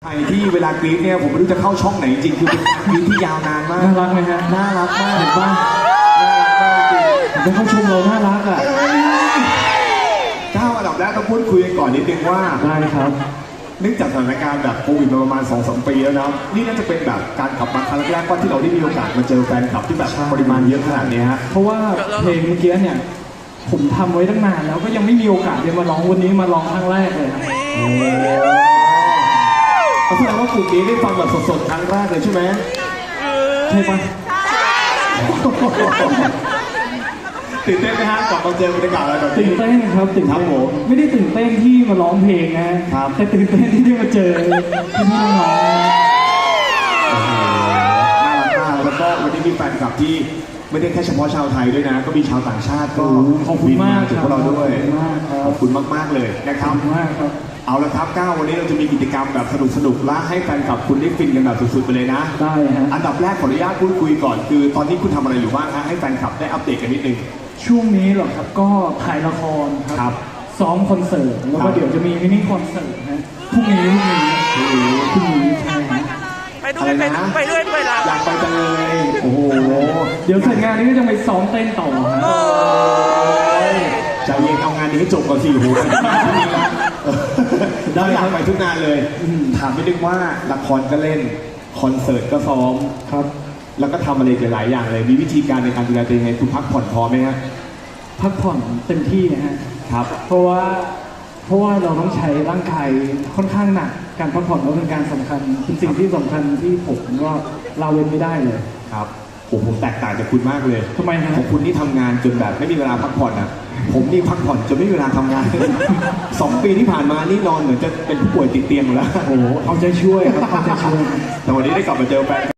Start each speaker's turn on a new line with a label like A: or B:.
A: ใครที่เวลากรี๊ดเนี่ยผมไม่รู้จะเข้าช่องไหนจริงคือเป็นการกรี๊ดที่ยาวนานมาก
B: น่ารักไหมฮะ
A: น่ารักมาก
B: เห็นป่ะ
A: น่ารักมากจริง
B: ผมต้องเข้าชมเราน่ารักอ่ะ
A: ก้าวอันดับแรกต้องพูดคุยกันก่อนนิดนึงว่า
B: ได้ครับ
A: เนื่องจากสถานการณ์แบบโควิดมาประมาณ 2-3 ปีแล้วนะนี่น่าจะเป็นแบบการกลับมาครั้งแรกว่าที่เราได้มีโอกาสมาเจอแฟนคลับที่แบบปริมาณเยอะขนาดนี้ฮะ
B: เพราะว่าเพลงเมื่อกี้เนี่ยผมทำไว้ตั้งนานแล้วก็ยังไม่มีโอกาสได้มาร้องวันนี้มาร้องครั้งแรกเลยครับ
A: แสดงว่ากลุ่มนี้ได้ฟังแบบสดๆครั้งแรกเลยใช่ไหม
B: ใช่ปะ
A: ตื่นเต้นไหมฮะก่อนมาเจอบรรยากาศอะไรแบบ
B: ตื่
A: นี้
B: นเต้นครับตื่น
A: ครั
B: เต้
A: บ
B: น
A: ผม
B: ไม่ได้ตื่นเต้นที่มาร้องเพลงนะครับ แต่ตื่นเต้นที่ได้มาเจอพี่ๆน้อง
A: น่ารักมากแล้วก็วันนี้มีแฟนคลับที่ไม่ได้แค่เฉพาะชาวไทยด้วยนะ ก็มีชาวต่างชาติ
B: ๆ
A: ก็
B: ขอบคุณมาก
A: ถึง
B: ค
A: พ
B: รับ
A: วกเราด้วย
B: ขอบคุณมากครับ
A: ขอบคุณมากๆเลยนะค
B: ข
A: รั
B: อบบ คุณมากครับ
A: เอาละครับก้าววันนี้เราจะมีกิจกรรมแบบสนุกๆและให้แฟนคลับคุณได้ฟินกันแบบสุดๆไปเลยนะ
B: ได้ฮะ
A: อันดับแรกขออนุญาตพูดคุยก่อนคือตอนนี้คุณทำอะไรอยู่บ้างฮะให้แฟนคลับได้อัปเดตกันนิดนึง
B: ช่วงนี้เหรอครับก็ถ่ายละครค
A: ครั
B: รับ ซ้อมคอนเสิร์ตแล้วก็เดี๋ยวจะมีมินิคอนเสิร์ตนะพรุ่งนี้ใช่ฮะ
C: ไปด้วยไปด้วยเรา
A: อยากไปจังเลยโอ้โห
B: เดี๋ยวเสร็จงานนี้ก็จะไปซ้อมเต้นต่อฮะ
A: ใจเย็นเอางานนี้ให้จบก่อนสิโอ้โหได้อยากไปทุกงานเลยถามไม่ดึงว่าละครก็เล่นคอนเสิร์ตก็ซ้อม
B: ครับ
A: แล้วก็ทำอะไรอีกหลายๆอย่างเลย มีวิธีการในการดูแลตัวเองไงคุณพักผ่อนพอไหมฮะ
B: พักผ่อนเต็มที่นะฮะ
A: ครับ
B: เพราะว่าเราต้องใช้ร่างกายค่อนข้างหนักการพักผ่อนก็เป็นการสำคัญเป็นสิ่งที่สำคัญที่ผมก็ละเว้นไม่ได้เลย
A: ครับผมแตกต่างจากคุณมากเลย
B: ทำไมฮะ
A: ของคุณนี่ทำงานจนแบบไม่มีเวลาพักผ่อนอ่ะ ผมนี่พักผ่อนจนไม่มีเวลาทำงาน 2 ปีที่ผ่านมานี่นอนเหมือนจะเป็นผู้ป่วยติดเตียงอยู่แล้ว
B: โอ้โหเอาใจช่วยครับเอาใจช่วย
A: แต่วันนี้ได้กลับมาเจอแฟน